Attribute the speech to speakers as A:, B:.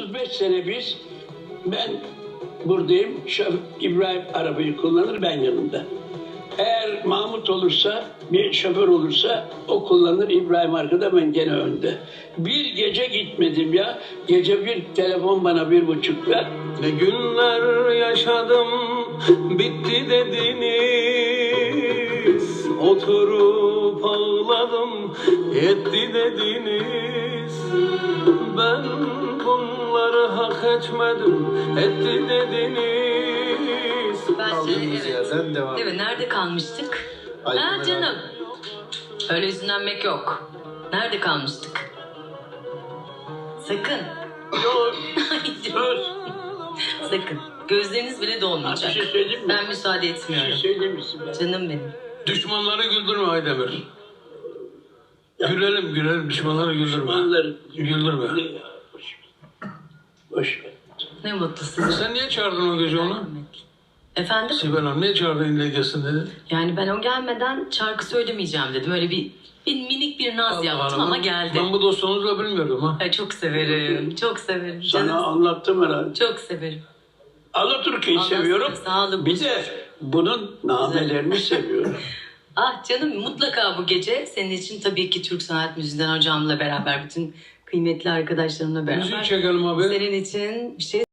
A: 35 sene ben buradayım. İbrahim arabayı kullanır, ben yanında. Eğer Mahmut olursa, bir şoför olursa o kullanır, İbrahim arkada, ben gene önde. Bir gece gitmedim ya. Gece bir telefon bana 1.30'da.
B: Ne günler yaşadım, bitti dediniz. Oturup ağladım, yetti dediniz. Ben bunları hak etmedim, etti dediniz.
C: Kaldığımız yerden devam.
D: Evet, nerede kalmıştık?
C: Ay,
D: Ha
C: merak
D: canım. Öyle üzülenmek yok. Nerede kalmıştık? Sakın.
A: Yok,
D: Ay,
A: söz.
D: Sakın. Gözleriniz bile dolmayacak.
A: Bir şey söyleyeyim mi?
D: Ben müsaade
A: Bir
D: etmiyorum.
A: şey söyleyeyim misin ben?
D: Canım benim.
B: Düşmanları güldürme Aydemir. Gülelim, düşmanları güldürme.
A: Düşmanları
B: Güldürme.
A: Ne ya? Boş ver. Boş ver.
D: Ne mutlu size.
B: Sen niye çağırdın o gece onu?
D: Efendim?
B: Sibel Hanım niye çağırdın ille gelsin dedi.
D: Yani ben o gelmeden şarkı söylemeyeceğim dedim. Öyle bir minik bir naz yaptım ama geldi.
B: Ben bu dostluğunuzla bilmiyordum ha.
D: Ay, çok severim. Çok severim.
A: Sana
D: Canım.
A: anlattım herhalde.
D: Çok severim.
A: Alaturka'yı
D: Allah
A: seviyorum.
D: sağlık
A: Bir
D: olsun.
A: de bunun namelerini seviyorum.
D: Ah canım, mutlaka bu gece senin için tabii ki Türk Sanat Müziği'nden hocamla beraber, bütün kıymetli arkadaşlarımla beraber.
B: Müzik çekelim abi.
D: Senin için bir şey